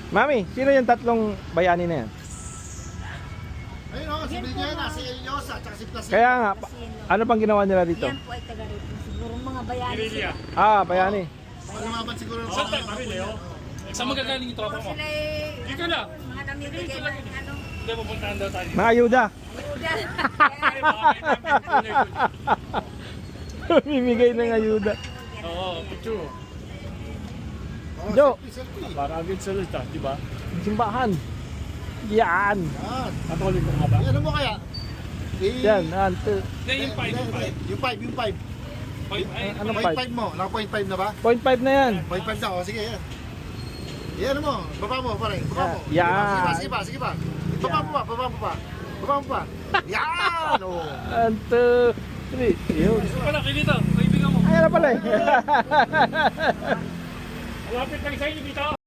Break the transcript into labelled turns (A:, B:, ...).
A: Mami, sino yung tatlong bayani na yan?
B: Ayun o, si Villena, si Eliosa, at si Placido.
A: Kaya nga, ano pang ginawa nila dito?
C: Yan po ay taga rito. Siguro mga bayani.
D: Guerrilla.
A: Ah, bayani.
B: Malumaban siguro ng
D: Saan tayo kami, Leo? Saan magagaling yung tropa mo?
C: Sila ay
D: Ikaw na.
C: mga namimigay ng ano.
D: Hindi, pupuntahan daw tayo.
A: Mga ayuda.
C: Ayuda.
D: Ay, baka may
A: Mimigay ng ayuda.
D: Oo, picture.
B: Oh,
A: Jo.
B: selfie.
D: Para agad sa lista, di ba?
A: Simbahan. Yan.
B: Yan.
D: Katolik ko nga ba?
B: Ano mo kaya?
A: Yan.
D: Hindi, yung 5, yung 5.
B: Yung 5, yung 5.
D: Ay,
A: Anong
B: Point
A: 5?
B: 5 mo, naka point 5 na ba?
A: 0.5 na yan.
B: Point 5 na, o sige yan. Yan mo, baba mo pare, baba mo.
A: Yan.
B: Sige pa, sige pa. Baba mo pa, baba mo pa. Baba mo pa. Yan! Oh.
A: 1, 2, 3. Yun.
D: Wala, kayo dito. Kaibigan mo.
A: Ayan na pala eh.
D: Malapit lang sa inyo dito.